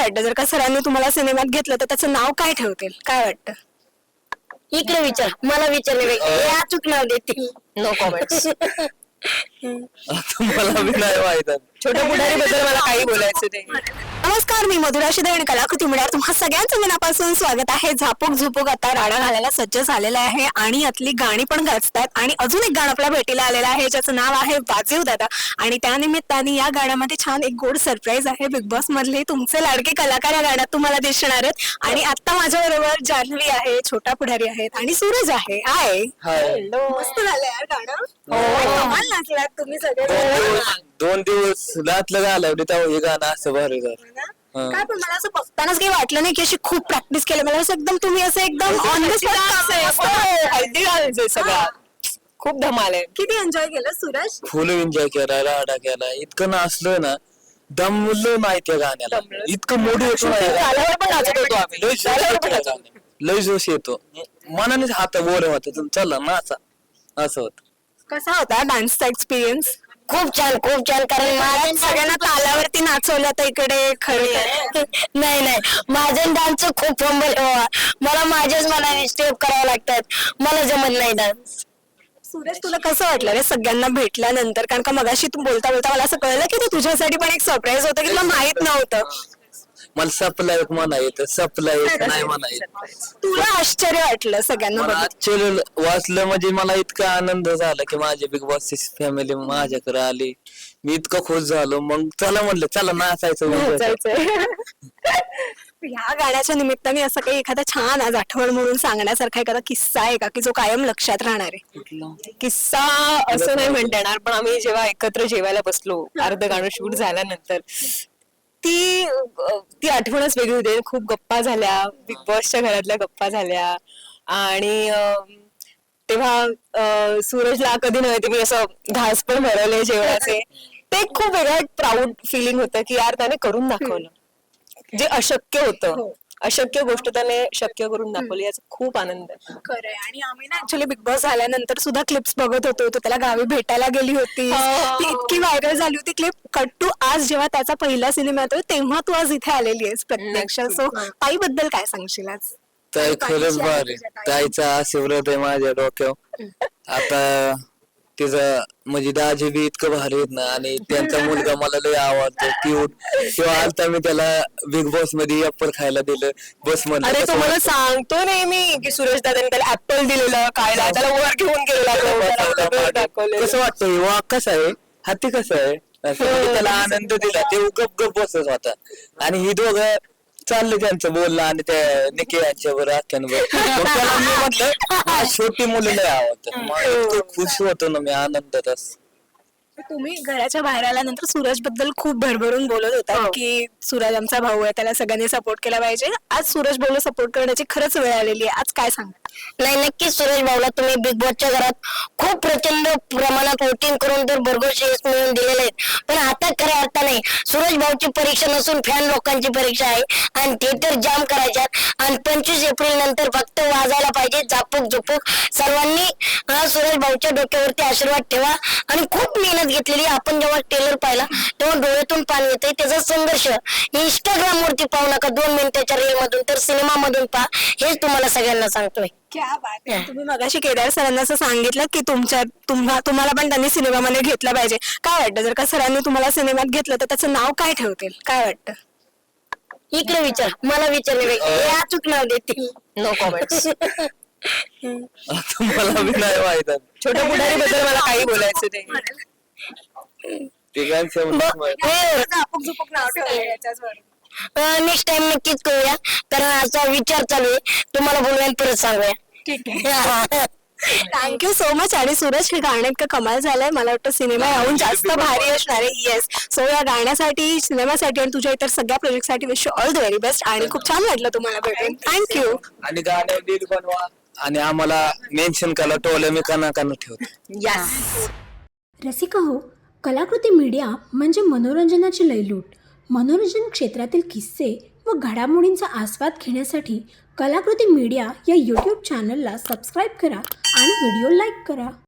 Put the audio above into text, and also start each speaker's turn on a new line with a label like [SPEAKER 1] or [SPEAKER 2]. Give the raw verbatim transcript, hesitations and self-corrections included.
[SPEAKER 1] वाटतं जर का सरांनी तुम्हाला सिनेमात घेतलं तर त्याचं नाव काय ठेवतील? काय वाटतं?
[SPEAKER 2] इकडे विचार, मला विचारण्यापेक्षा हे अचूक नाव देतील.
[SPEAKER 3] No comments.
[SPEAKER 4] आता मला बी नाही माहित.
[SPEAKER 3] छोट्या पुढारी बद्दल मला काही बोलायचं नाही.
[SPEAKER 1] नमस्कार, मी मधुरा शिदे आणि कलाकृती मीडियावर तुम्हा सगळ्यांचं मनापासून स्वागत आहे. झापूक झुपूक आता राडा घालायला सज्ज झालेला आहे आणि यातली गाणी पण गाजतात आणि अजून एक गाणं आपल्या भेटीला आलेलं आहे ज्याचं नाव आहे वाजीव दादा. आणि त्यानिमित्ताने या गाण्यामध्ये छान एक गोड सरप्राईज आहे. बिग बॉस मधले तुमचे लाडके कलाकार या गाण्यात तुम्हाला दिसणार आहेत. आणि आता माझ्या बरोबर जान्हवी आहे, छोटा पुढारी आहेत आणि सूरज आहे. हाय, मस्त झालं यार गाणं. कमाल नाचलात तुम्ही सगळे.
[SPEAKER 4] दोन दिवस रातलं घालवले तेव्हा हे गाणं असं भारी झालं.
[SPEAKER 1] काय पण मला असं बघतानाच काही वाटलं नाही की अशी खूप प्रॅक्टिस केली. मला असं एकदम तुम्ही असं एकदम ऑन द स्पॉट
[SPEAKER 3] हल्दी घालायचंय सगळा. खूप धमाल आहे.
[SPEAKER 1] किती एन्जॉय केलं सूरज?
[SPEAKER 4] फुल एन्जॉय केला, राडा केला. इतकं नाचलं ना, दमलं नाही त्या गाण्याला. इतकं मोठं
[SPEAKER 3] गाण्यावर पण नाचत होतो आम्ही.
[SPEAKER 4] लय जोश येतो त्या गाण्यात. लय जोश येतो. मनानेच हात वर होत चला नाचा असं होत.
[SPEAKER 1] कसा होता डान्सचा एक्सपिरियन्स?
[SPEAKER 2] खूप छान, खूप छान. कारण माझ्या
[SPEAKER 1] सगळ्यांना तालावरती नाचवलं तर इकडे खरं
[SPEAKER 2] नाही नाही माझं डान्स खूप फंबल बाबा. मला माझ्याच मनाने स्टेप करावं लागतात. मला जमत नाही डान्स.
[SPEAKER 1] सूरज, तुला कसं वाटलं रे सगळ्यांना भेटल्यानंतर? कारण का मगाशी तू बोलता बोलता मला असं कळलं की ते तुझ्यासाठी पण एक सरप्राईज होतं की तुला माहित नव्हतं.
[SPEAKER 4] मला सपला एक म्हणा येत, सपला एक नाही म्हणा येत.
[SPEAKER 1] तुला आश्चर्य वाटलं सगळ्यांना
[SPEAKER 4] मला
[SPEAKER 1] बघून?
[SPEAKER 4] आश्चर्य वाचलं म्हणजे मला इतका आनंद झाला की माझी बिग बॉसची फॅमिली माझ्याकडे आली. मी इतकं खुश झालो. मग चला म्हणलं चला नाचायचं.
[SPEAKER 1] ह्या गाण्याच्या निमित्ताने असं काही एखादा छान आज आठवण म्हणून सांगण्यासारखा एखादा किस्सा आहे का की जो कायम लक्षात राहणार आहे?
[SPEAKER 3] किस्सा असं नाही म्हणता येणार, पण आम्ही जेव्हा एकत्र जेवायला बसलो अर्ध गाणं शूट झाल्यानंतर ती ती आठवणच वेगळी होती. खूप गप्पा झाल्या, बिग बॉसच्या घरातल्या गप्पा झाल्या. आणि तेव्हा सूरजला कधी नव्हते मी असं घास पण भरवले जेवणाचे. ते खूप वेगळं प्राऊड फिलिंग होतं की यार त्याने करून दाखवलं जे अशक्य होतं. अशक्य गोष्ट त्याने शक्य करून दाखवली, याचा खूप आनंद आहे.
[SPEAKER 1] खरंय. आणि आम्ही ना ऍक्च्युली बिग बॉस झाल्यानंतर सुद्धा क्लिप्स बघत होतो. तो त्याला गावी भेटायला गेली होती, ती इतकी व्हायरल झाली होती क्लिप. कट टू आज जेव्हा त्याचा पहिला सिनेमा येतोय तेव्हा तू आज इथे आलेली आहेस प्रत्यक्ष. सो ताई बद्दल काय सांगशील आज?
[SPEAKER 4] ताई खरंच भारी. ताईचा आशीर्वाद आहे माझ्या डोक्यावर. आता तिचं म्हणजे दाजी बी इतकं भारी आहेत ना. आणि त्यांचा मुलगा मला लय आवडतो, क्यूट. तेव्हा आता मी त्याला बिग बॉस मध्ये ऍपल खायला दिलं बस मध्ये.
[SPEAKER 3] अरे तो मला सांगतो नेहमी की सुरेश दादाने त्याला ऍपल दिलेलं खायला, त्याला वर घेऊन गेलेला.
[SPEAKER 4] कसं वाटतं वा कसं आहे, हाती कसं आहे असं. म्हणजे त्याला आनंद दिला. ते गप गप बसत होता. आणि ही दोघं चाललं त्यांचं बोलणं आणि त्या निकी यांच्यावर आख्यांवर. त्याला मी म्हटलं छोटी मुलं लय आवडतात. मग इतकं खुश होतो ना मी आनंदात.
[SPEAKER 1] तुम्ही घराच्या बाहेर आल्यानंतर सूरज बद्दल खूप भरभरून बोलत होता की सूरज आमचा भाऊ आहे, त्याला सगळ्यांनी सपोर्ट केला पाहिजे. आज सूरज भाऊला सपोर्ट करण्याची खरंच वेळ आलेली आहे. आज काय सांगा?
[SPEAKER 2] नाही, नक्कीच सूरज भाऊला तुम्ही बिग बॉसच्या घरात खूप प्रचंड प्रमाणात वोटिंग करून तर भरघोस यश मिळवून दिलेले आहेत. पण आता खऱ्या अर्थाने सूरज भाऊची परीक्षा नसून फॅन लोकांची परीक्षा आहे. आणि थिएटर जाम करायच्यात. आणि पंचवीस एप्रिल नंतर फक्त वाजायला पाहिजे झापूक झुपूक. सर्वांनी सूरज भाऊच्या डोक्यावरती आशीर्वाद ठेवा. आणि खूप मेहनत घेतलेली. आपण जेव्हा ट्रेलर पाहिला तेव्हा डोळ्यातून पाणी येतंय. त्याचा संघर्ष इंस्टाग्राम वरती पाहू नका, दोन मिनिटाच्या रील मधून तर सिनेमा मधून पहा. हेच तुम्हाला सगळ्यांना सांगतोय.
[SPEAKER 1] क्या बात आहे. तुम्ही मगाशी केदार सरांना असं सांगितलं की तुमच्या तुम्हा तुम्हाला पण त्यांनी सिनेमामध्ये घेतलं पाहिजे. काय वाटतं जर का सरांनी तुम्हाला सिनेमात घेतलं तर त्याचं नाव काय ठेवतील? काय वाटतं?
[SPEAKER 2] इकडे विचार, मला विचारण्यापेक्षा हे अचूक नाव देतील.
[SPEAKER 3] No comments.
[SPEAKER 4] आता मला बी नाही माहित.
[SPEAKER 3] छोट्या पुढारी बद्दल मला काही बोलायचं नाही.
[SPEAKER 1] झापूक झुपूक नाव ठेवलंय याच्यावर.
[SPEAKER 2] नेक्स्ट टाइम नक्कीच करूया, कारण असा विचार चालू आहे. तुम्हाला बोलूया परत सांगूया.
[SPEAKER 1] ठीक आहे. Thank you so much. आणि सूरज, हे गाणं इतकं कमाल झालंय. मला वाटतं सिनेमा याहून जास्त भारी असणार आहे. येस. सो या गाण्यासाठी, सिनेमासाठी आणि तुझ्या इतर सगळ्या प्रोजेक्टसाठी wish you all the very best. आणि खूप छान वाटलं तुम्हाला भेटून. थँक्यू.
[SPEAKER 4] आणि गाणं नीट बनवा आणि आम्हाला मेन्शन करा. टोले मी काना काना ठेवतो.
[SPEAKER 3] यस.
[SPEAKER 5] रसिका हो, कलाकृती मीडिया म्हणजे मनोरंजनाची लयलूट. मनोरंजन क्षेत्रातील किस्से व घडामोडींचा आस्वाद घेण्यासाठी कलाकृती मीडिया या यूट्यूब चॅनलला सबस्क्राईब करा आणि व्हिडिओ लाईक करा.